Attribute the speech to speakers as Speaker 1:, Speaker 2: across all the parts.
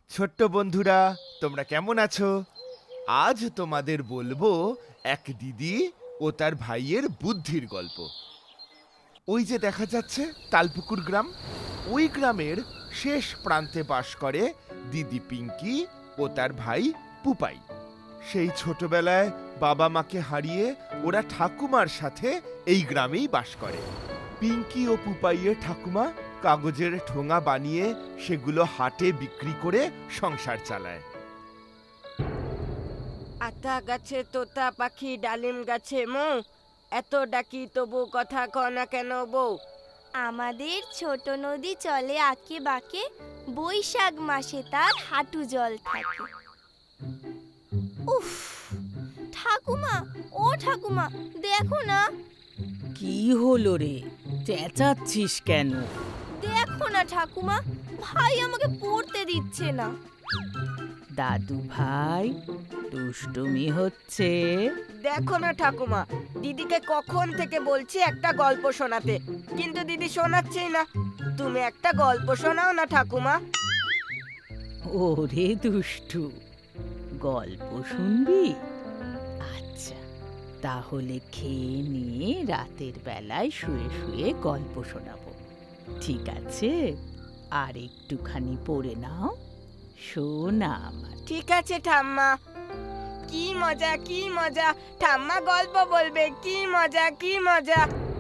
Speaker 1: ছোট্ট বন্ধুরা, তোমরা কেমন আছো? আজ তোমাদের বলবো এক দিদি ও তার ভাইয়ের বুদ্ধির গল্প। ওই যে দেখা যাচ্ছে তালপুকুর গ্রাম, ওই গ্রামের শেষ প্রান্তে বাস করে দিদি পিঙ্কি ও তার ভাই পুপাই। সেই ছোটবেলায় বাবা মাকে হারিয়ে ওরা ঠাকুমার সাথে এই গ্রামেই বাস করে। পিঙ্কি ও পুপাইয়ের ঠাকুমা কাগজের ঠোঙা বানিয়ে সেগুলো হাটে বিক্রি করে সংসার চালায়।
Speaker 2: আতা গাছে তোতা পাখি, ডালিম গাছে মৌ, এত ডাকি তবু কথা কও না কেন বউ?
Speaker 3: আমাদের ছোট নদী চলে আঁকে বাঁকে, বৈশাখ মাসে তার হাঁটু জল থাকে। উফ, ঠাকুমা, ও ঠাকুমা, দেখো না,
Speaker 4: কি হলো রে? চেঁচাচ্ছিস কেন?
Speaker 3: দেখো না ঠাকুমা, ভাই আমাকে পড়তে দিচ্ছে না।
Speaker 4: দাদু ভাই, দুষ্টুমি হচ্ছে।
Speaker 2: দেখো না ঠাকুমা, দিদিকে কখন থেকে বলছি একটা গল্প শোনাতে, কিন্তু দিদি শোনাচ্ছেই না। তুমি একটা গল্প শোনাও না ঠাকুমা।
Speaker 4: ওরে দুষ্টু, গল্প শুনবি? আচ্ছা, তাহলে খেয়ে নিয়ে রাতের বেলায় শুয়ে শুয়ে গল্প শোনাবো, ঠিক আছে? আর একটুখানি পড়ে নাও, শোনা আমার।
Speaker 2: ঠিক আছে ঠাম্মা। কি মজা, কি মজা, ঠাম্মা গল্প বলবে, কি মজা, কি মজা।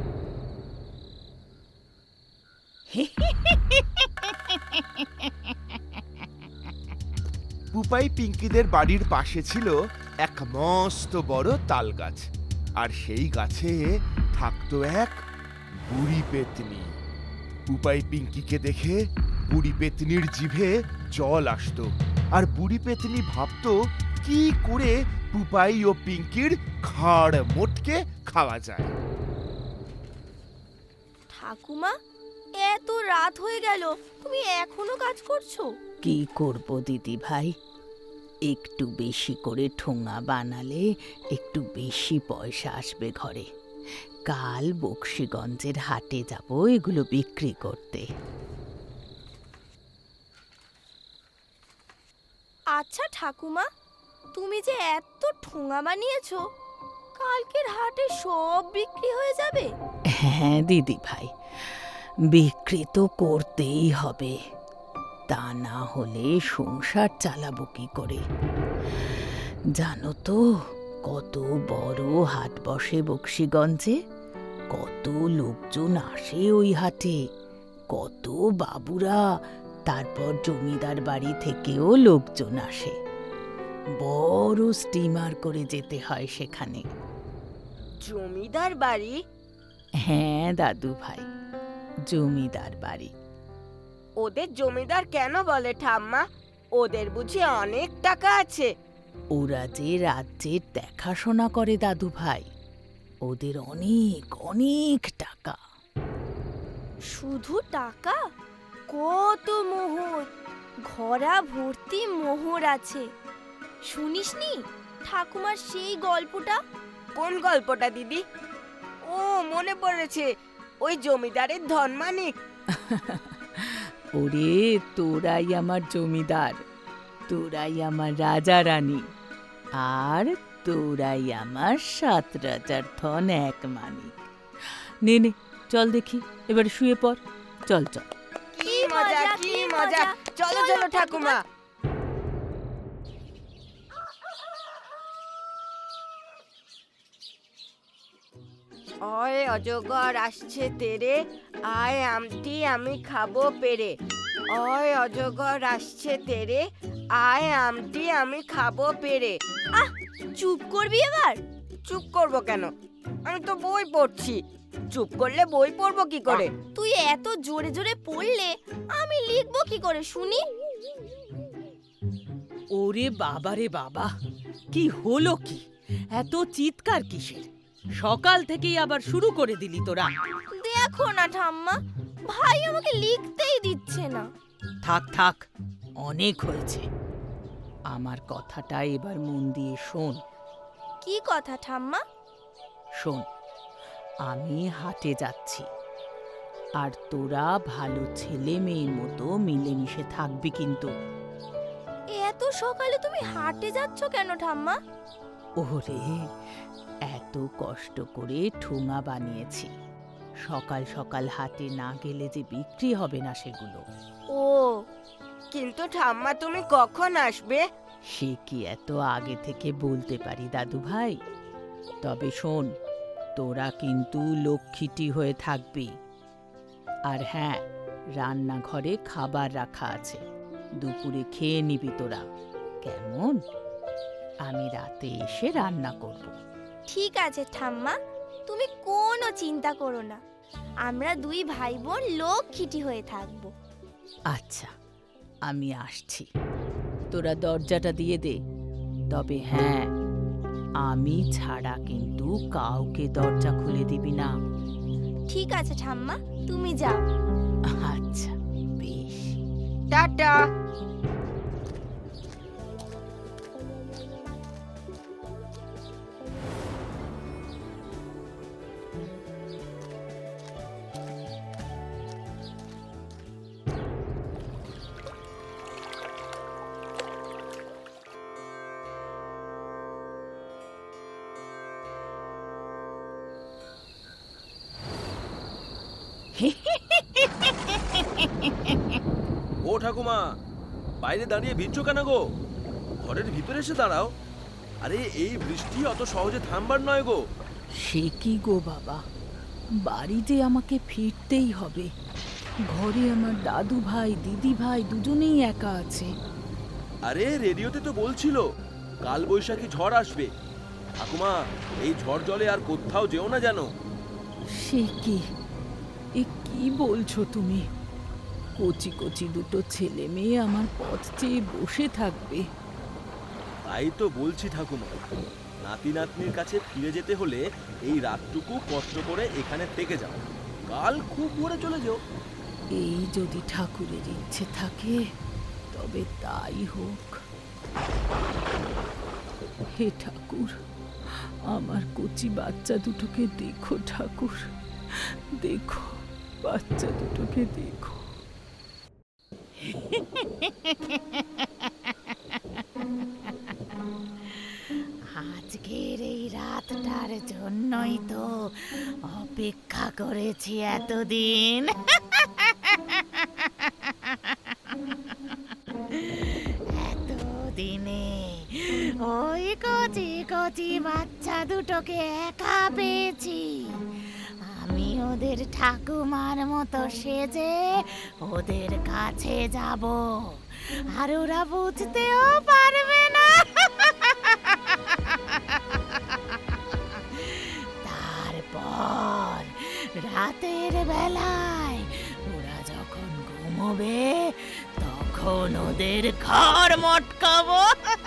Speaker 1: পুপাই পিঙ্কিদের বাড়ির পাশে ছিল এক মস্ত বড় তাল গাছ, আর সেই গাছে থাকতো এক বুড়ি পেতনি। পুপাই পিঙ্কিকে দেখে বুড়ি পেতনির জিভে জল আসতো, আর বুড়ি পেতনি ভাবতো কি করে পুপাই ও পিঙ্কির ঘাড় মোটকে খাওয়া যায়।
Speaker 3: ঠাকুমা, এত রাত হয়ে গেল, তুমি এখনো কাজ করছো?
Speaker 4: কি করব দিদি ভাই, একটু বেশি করে ঠোঙা বানালে একটু বেশি পয়সা আসবে ঘরে। কাল বক্সিগঞ্জের হাটে যাব এগুলো বিক্রি করতে।
Speaker 3: আচ্ছা ঠাকুমা, তুমি যে এত ঠোঙা বানিয়েছো, কালকের হাটে সব বিক্রি হয়ে যাবে?
Speaker 4: হ্যাঁ দিদি ভাই, বিক্রি তো করতেই হবে, তা না হলে সংসার চালাবো কি করে? জানো তো কত বড় হাট বসে বক্সিগঞ্জে, কত লোকজন আসে ওই হাটে, কত বাবুরা, তারপর জমিদার বাড়ি থেকেও লোকজন আসে। বড় স্টিমার করে যেতে হয় সেখানে।
Speaker 2: জমিদার বাড়ি?
Speaker 4: হ্যাঁ দাদু ভাই, জমিদার বাড়ি।
Speaker 2: ওদের জমিদার কেন বলে ঠাম্মা? ওদের বুঝি অনেক টাকা আছে?
Speaker 4: ওরা যে রাজ্যের দেখাশোনা করে দাদু ভাই, ওদের অনেক অনেক টাকা।
Speaker 3: শুধু টাকা? কত মোহর, ঘোড়া ভর্তি মোহর আছে। শুনিসনি ঠাকুমার সেই গল্পটা?
Speaker 2: কোন গল্পটা দিদি? ও, মনে পড়েছে, ওই জমিদারের ধনমানিক।
Speaker 4: ওরে, তোরাই আমার জমিদার, তোরাই আমার রাজা রানী, আর তোরাই আমার 7 রাজার ধন এক মানিক। নে নে, চল দেখি, এবার শুয়ে পড়, চল চল।
Speaker 2: কি মজা, কি মজা, চলো চলো ঠাকুমা। অয় অজগর আসছে তেরে, আয় আমটি আমি খাবো পেরে। অয় অজগর আসছে তেরে, আয় আমটি আমি খাবো পেরে।
Speaker 3: আহ, চুপ করবি এবার?
Speaker 2: চুপ করবো কেন? আমি তো বই পড়ছি। চুপ করলে বই পড়বো কি করে?
Speaker 3: তুই এত জোরে জোরে পড়লে আমি লিখবো কি করে শুনি?
Speaker 4: ওরে বাবা রে বাবা, কি হলো কি? এত চিৎকার কিসের? সকাল থেকেই আবার শুরু করে দিলি তোরা?
Speaker 3: দেখো না ঠাম্মা, ভাই আমাকে লিখতেই দিচ্ছে না।
Speaker 4: থাক থাক, অনেক হয়েছে। আমার কথাটা এবার মন দিয়ে শোন।
Speaker 3: কি কথা ঠাম্মা?
Speaker 4: শোন, আমি হাটে যাচ্ছি, আর তোরা ভালো ছেলে মেয়ের মতো মিলেমিশে থাকবি কিন্তু।
Speaker 3: এত সকালে তুমি হাটে যাচ্ছ কেন ঠাম্মা?
Speaker 4: ওরে, এত কষ্ট করে ঠোঙা বানিয়েছি, সকাল সকাল হাটে না গেলে যে বিক্রি হবে না সেগুলো।
Speaker 2: ও, কিন্তু ঠাম্মা তুমি কখন আসবে?
Speaker 4: সে কি এত আগে থেকে বলতে পারি দাদু ভাই? তবে শোন, তোরা কিন্তু লক্ষ্মীটি হয়ে থাকবি। আর হ্যাঁ, রান্নাঘরে খাবার রাখা আছে, দুপুরে খেয়ে নিবি তোরা, কেমন? আমি রাতে এসে রান্না করব।
Speaker 3: ঠিক আছে ঠাম্মা, তুমি কোনো চিন্তা করো না, আমরা দুই ভাই বোন লক্ষ্মীটি হয়ে থাকবো।
Speaker 4: আচ্ছা, আমি আসছি, তোরা দরজাটা দিয়ে দে। তবে হ্যাঁ, আমি ছাড়া কিন্তু কাউকে দরজা খুলে দিবি না।
Speaker 3: ঠিক আছে ঠাম্মা, তুমি যাও।
Speaker 4: আচ্ছা, বেশ।
Speaker 2: টাটা।
Speaker 5: ও ঠাকুমা, বাইরে দাঁড়িয়ে ভিজছো কেন গো? ঘরের ভিতরে এসে দাঁড়াও। আরে এই বৃষ্টি অত সহজে থামবার নয় গো।
Speaker 4: সে কি গো বাবা, বাড়িতে আমাকে ফিরতেই হবে। ঘরে আমার দাদু ভাই দিদি ভাই দুজনেই একা আছে।
Speaker 5: আরে রেডিওতে তো বলছিল কাল বৈশাখী ঝড় আসবে। ঠাকুমা, এই ঝড় জলে আর কোথাও যেও না যেন।
Speaker 4: সে কি, এ কি বলছো তুমি? কচি কচি দুটো ছেলে মেয়ে আমার পথ চেয়ে বসে থাকবে।
Speaker 5: তাই তো বলছি ঠাকুমা, নাতি নাতনির কাছে ফিরে যেতে হলে এই রাতটুকু কষ্ট করে এখানে থেকে যাও, কাল খুব ভোরে চলে যাও।
Speaker 4: এই যদি ঠাকুরের ইচ্ছে থাকে তবে তাই হোক। হে ঠাকুর, আমার কচি বাচ্চা দুটোকে দেখো ঠাকুর, দেখো বাচ্চা দুটোকে দেখো। আজকের এই রাতটার জন্যই তো অপেক্ষা করেছি এতদিন। এতদিনে ওই কচি কচি বাচ্চা দুটোকে একা পেয়েছি। আমি ওদের ঠাকুমার মতো সেজে ওদের কাছে যাব, আর ওরা বুঝতেও পারবে না। তারপর রাতের বেলায় ওরা যখন ঘুমোবে তখন ওদের ঘর মটকাবো।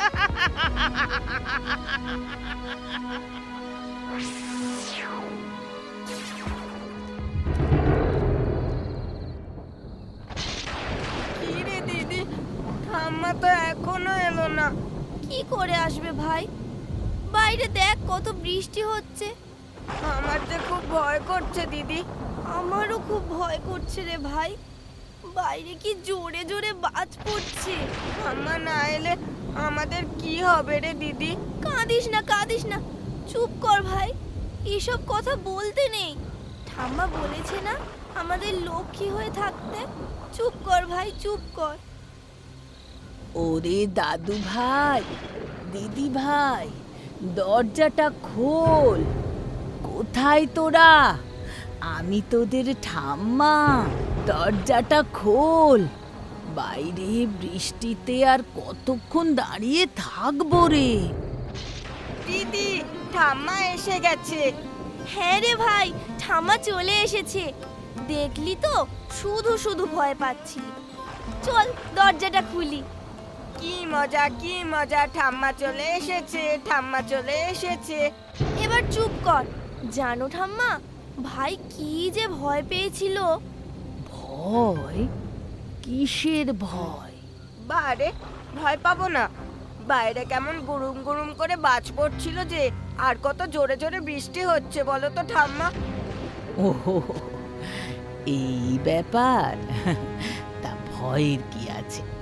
Speaker 2: কি রে দিদি, ঠাম্মা তো এখনো এলো না।
Speaker 3: কি করে আসবে ভাই? বাইরে দেখ কত বৃষ্টি হচ্ছে।
Speaker 2: আমার যে খুব ভয় করছে দিদি।
Speaker 3: আমারও খুব ভয় করছে রে ভাই, বাইরে কি জোরে জোরে বাজ পড়ছে।
Speaker 2: ঠাম্মা না এলে আমাদের কি হবে রে দিদি?
Speaker 3: কাঁদিস না কাঁদিস না, চুপ কর ভাই, এসব কথা বলতে নেই। ঠাম্মা বলেছে না আমাদের লক্ষ্মী হয়ে থাকতে। চুপ কর ভাই, চুপ কর।
Speaker 4: ওরে দাদু ভাই, দিদি ভাই, দরজাটা খোল। কোথায় তোরা? আমি তোদের ঠাম্মা, দরজাটা খোল। বাইরে বৃষ্টিতে আর কতক্ষণ দাঁড়িয়ে থাকবো রে?
Speaker 2: দিদি, ঠাম্মা এসে গেছে।
Speaker 3: হ্যাঁ রে ভাই, ঠাম্মা চলে এসেছে। দেখলি তো, শুধু শুধু ভয় পাচ্ছিলি। চল দরজাটা খুলি।
Speaker 2: কি মজা কি মজা, ঠাম্মা চলে এসেছে, ঠাম্মা চলে এসেছে।
Speaker 3: এবার চুপ কর। জানো ঠাম্মা, ভাই কি যে ভয় পেয়েছিল।
Speaker 4: ভয়? কিসের ভয়?
Speaker 2: বারে, ভয় পাবো না। বাইরে কেমন গুরুম গুরুম করে বাজ পড়ছিল যে, আর কত জোরে জোরে বৃষ্টি হচ্ছে বলো তো ঠাম্মা।
Speaker 4: ওহো, এই ব্যাপার? তা ভয়ের কি আছে?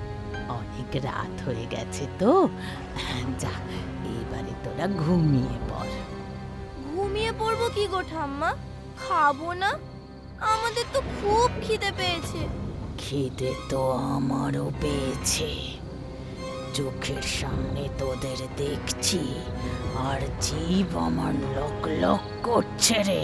Speaker 4: অনেক রাত হয়ে গেছে তো, যা এবারে তোরা ঘুমিয়ে পড়।
Speaker 3: ঘুমিয়ে পড়বো কি গো ঠাম্মা? খাবো না? আমাদের তো খুব খিদে পেয়েছে।
Speaker 4: খিদে তো আমারও পেয়েছে, চোখের সামনে তোদের দেখছি আর জীব আমার লক লক করছে রে।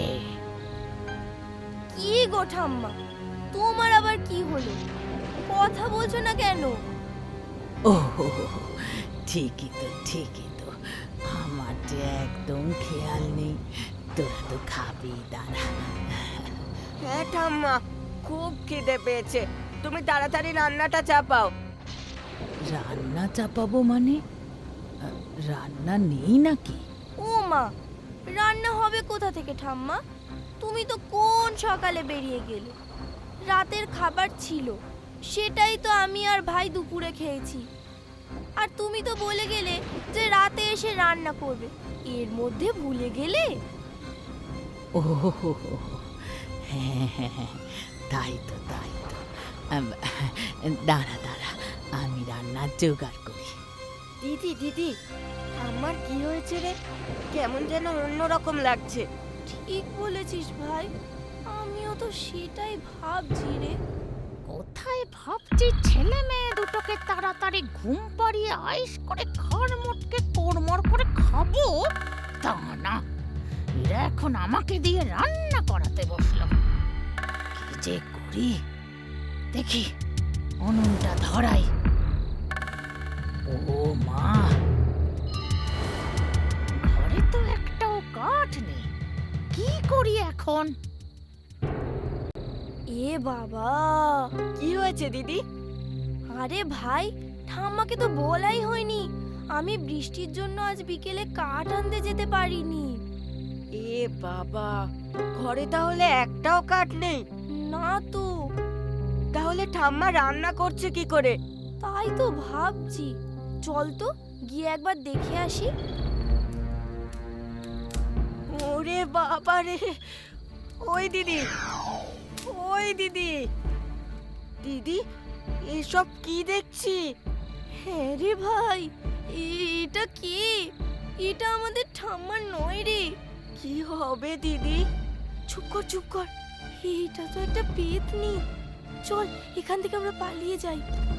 Speaker 3: কি গো ঠাম্মা, তোমার আবার কি হলো? কথা বলছো না কেন?
Speaker 4: ও ঠিকই তো, আমার যে একদম খেয়াল নেই। তোরা তো খাবি, দাঁড়া।
Speaker 2: হ্যাঁ ঠাম্মা, খুব খিদে পেয়েছে, তুমি তাড়াতাড়ি রান্নাটা চাপাও।
Speaker 4: রান্না চাপাবো মানে? রান্না নেই নাকি?
Speaker 3: ও মা, রান্না হবে কোথা থেকে ঠাম্মা? তুমি তো কোন সকালে বেরিয়ে গেলে। রাতের খাবার ছিল, সেটাই তো আমি আর ভাই দুপুরে খেয়েছি। আর তুমি তো বলে গেলে যে রাতে এসে রান্না করবে, এর মধ্যে ভুলে গেলে?
Speaker 4: ও হ্যাঁ, তাই তো। দাঁড়া, আমি রান্নার জোগাড় করি।
Speaker 2: দিদি, আমার কি হয়েছে রে? কেমন যেন অন্যরকম লাগছে।
Speaker 3: ঠিক বলেছিস ভাই, আমিও তো সেটাই ভাবছি রে।
Speaker 6: কোথায় ভাবছি ছেলে মেয়ে দুটোকে তাড়াতাড়ি ঘুম পাড়িয়ে আইস করে ঘর মোটকে কোড়মড় করে খাবো, তা না, এরা এখন আমাকে দিয়ে রান্না করাতে বসলো। কি যে করি, দেখি উনুনটা ধরাই। ও মা, ঘরে তো একটাও কাঠ নেই, কি করি এখন?
Speaker 3: এ বাবা,
Speaker 2: কি হয়েছে দিদি?
Speaker 3: আরে ভাই, ঠাম্মাকে তো বলাই হয়নি, আমি বৃষ্টির জন্য আজ বিকেলে কাঠ আনতে যেতে পারিনি।
Speaker 2: এ বাবা, ঘরে তাহলে একটাও কাঠ নেই?
Speaker 3: না তো।
Speaker 2: তাহলে ঠাম্মা রান্না করছে কি করে?
Speaker 3: তাই তো ভাবছি, চল তো গিয়ে একবার দেখে আসি।
Speaker 2: ওরে বাবা রে, ওই দিদি, দিদি, এসব কি দেখছি?
Speaker 3: হ্যাঁ রে ভাই, এটা কি? এটা আমাদের ঠাম্মার নয় রে।
Speaker 2: কি হবে দিদি?
Speaker 3: চুপ কর, এটা তো একটা পেতনি। চল এখান থেকে আমরা পালিয়ে যাই।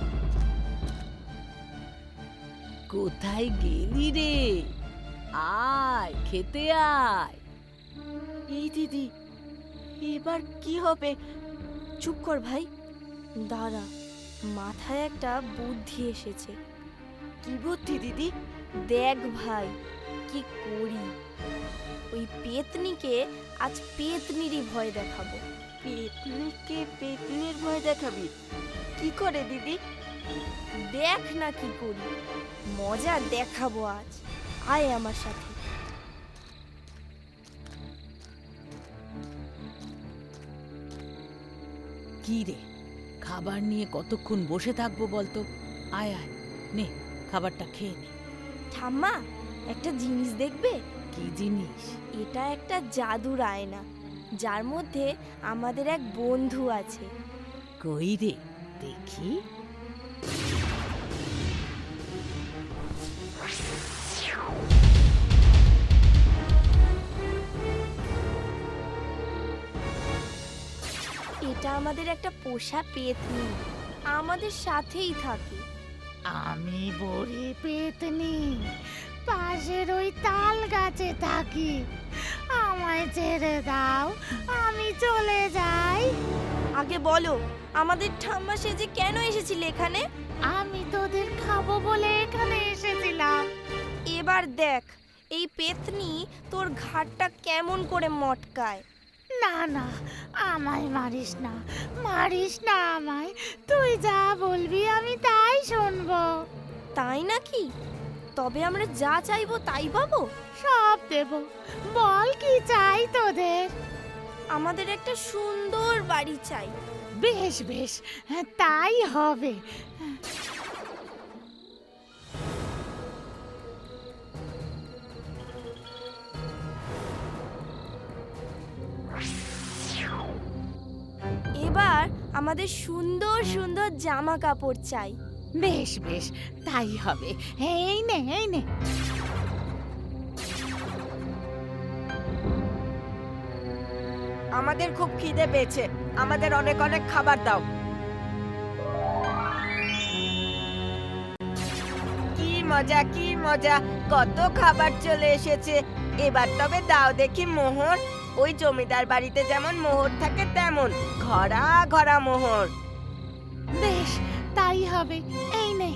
Speaker 4: কোথায় গেলি রে? আয় খেতে আয়।
Speaker 2: এই দিদি, এবার কি হবে?
Speaker 3: চুপ কর ভাই, দাঁড়া, মাথায় একটা বুদ্ধি এসেছে।
Speaker 2: কি বুদ্ধি দিদি?
Speaker 3: দেখ ভাই, কি করি। ওই পেতনিকে আজ পেতনিরই ভয় দেখাবো।
Speaker 2: পেতনিকে পেতনির ভয় দেখাবি? কি করে দিদি?
Speaker 3: দেখ না কি করি, মজা দেখাবো আজ। আয় আমার সাথে।
Speaker 4: কি রে, খাবার নিয়ে কতক্ষণ বসে থাকবো বলতো? আয় নে, খাবারটা খেয়ে নে।
Speaker 3: ঠাম্মা, একটা জিনিস দেখবে?
Speaker 4: কি জিনিস?
Speaker 3: এটা একটা জাদুর আয়না, যার মধ্যে আমাদের এক বন্ধু আছে।
Speaker 4: কই রে, দেখি।
Speaker 3: এটা আমাদের একটা পোষা পেতনি, আমাদের সাথেই থাকে।
Speaker 6: আমি বড়ি পেতনি, পাশের ওই তাল গাছে থাকি, আমায় ছেড়ে দাও, আমি চলে যাই।
Speaker 3: আগে বলো, আমাদের ঠাম্মা সেজে কেন এসেছিলে এখানে?
Speaker 6: আমি তোদের খাবো বলে এখানে এসেছিলাম।
Speaker 3: এবার দেখ এই পেতনি তোর ঘাটটা কেমন করে মটকায়।
Speaker 6: না, আমায় মারিস না আমায়, তুই যা বলবি আমি তাই শুনবো।
Speaker 3: তাই নাকি? তবে আমরা যা চাইবো তাই পাবো?
Speaker 6: সব দেব, বল কি চাই তোদের?
Speaker 3: আমাদের একটা সুন্দর বাড়ি চাই।
Speaker 6: বেশ, তাই হবে।
Speaker 3: এবার আমাদের সুন্দর সুন্দর জামা কাপড় চাই।
Speaker 6: বেশ বেশ তাই হবে। এই নে এই নে।
Speaker 2: আমাদের খুব খিদে পেয়েছে, আমাদের অনেক অনেক খাবার দাও। কি মজা কি মজা, কত খাবার চলে এসেছে। এবার তবে দাও দেখি মোহর। ওই জমিদার বাড়িতে যেমন মোহর থাকে তেমন ঘরা ঘরা মোহর।
Speaker 6: বেশ তাই হবে। এই নে।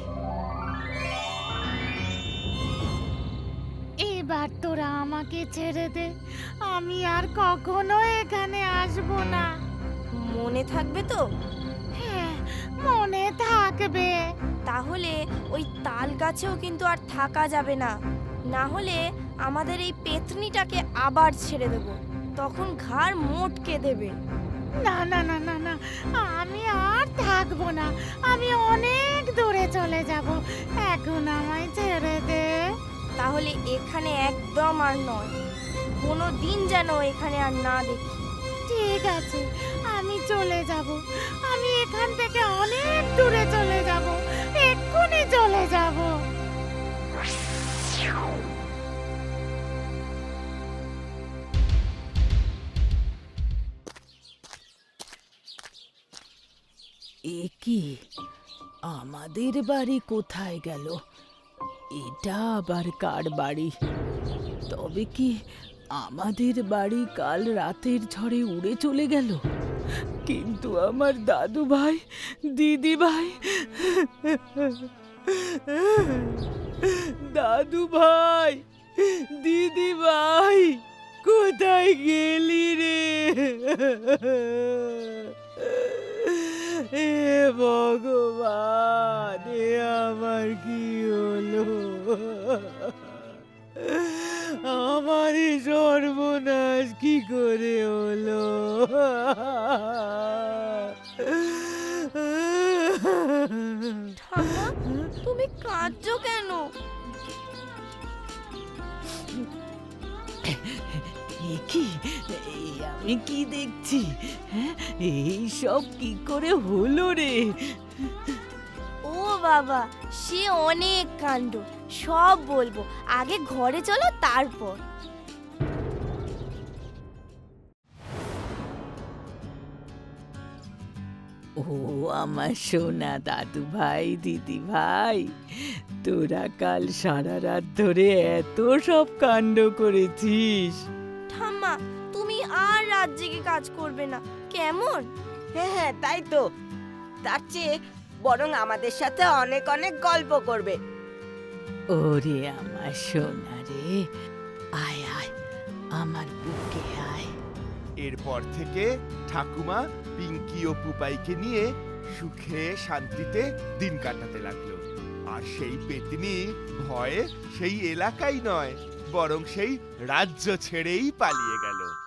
Speaker 6: এবার তোরা আমাকে ছেড়ে দে, আমি আর কখনো এখানে আসবো না।
Speaker 3: মনে থাকবে তো?
Speaker 6: হ্যাঁ মনে থাকবে।
Speaker 3: তাহলে ওই তাল গাছেও কিন্তু আর থাকা যাবে না, না হলে আমাদের এই পেতনিটাকে আবার ছেড়ে দেব, তখন ঘাড় মোটকে দেবে।
Speaker 6: না না না না না, আমি আর থাকবো না, আমি অনেক দূরে চলে যাব। এখন আমায় ছেড়ে দে।
Speaker 3: তাহলে এখানে একদম আর নয়, কোনো দিন যেন এখানে আর না দেখি।
Speaker 6: ঠিক আছে, আমি চলে যাব, আমি এখান থেকে অনেক দূরে চলে যাব, এক্ষুনি চলে যাব।
Speaker 4: এ কি, আমাদের বাড়ি কোথায় গেল? এটা আবার কার বাড়ি? তবে কি আমাদের বাড়ি কাল রাতের ঝড়ে উড়ে চলে গেল? কিন্তু আমার দাদু ভাই, দিদি ভাই, দাদু ভাই, দিদি ভাই, কোথায় গেলি রে? হে ভগবান, এ আমার কি হলো? আমার এই সর্বনাশ কি করে হলো?
Speaker 3: ঠাম্মা, তুমি কাঁদছো কেন?
Speaker 4: এ কি, এই আমি কি দেখছি? হ্যাঁ, এই সব কি করে হলো রে?
Speaker 3: ও বাবা, সে অনেক কাণ্ড, সব বলবো, আগে ঘরে চলো তারপর।
Speaker 4: ও আমার সোনা দাদু ভাই, দিদি ভাই, তোরা কাল সারা রাত ধরে এত সব কাণ্ড করেছিস।
Speaker 3: ঠাম্মা, তুমি আর রাত জেগে কাজ করবে না কেমন?
Speaker 2: হ্যাঁ হ্যাঁ, তাই তো। তার চেয়ে বরং আমাদের সাথে অনেক অনেক গল্প করবে।
Speaker 4: ওরে আমার সোনা রে, আয় আয় আমার বুকে আয়।
Speaker 1: এরপর থেকে ঠাকুমা পিঙ্কি ও পুপাইকে নিয়ে সুখে শান্তিতে দিন কাটাতে লাগলো। আর সেই পেতনি ভয়ে সেই এলাকাই নয়, বরং সেই রাজ্য ছেড়েই পালিয়ে গেল।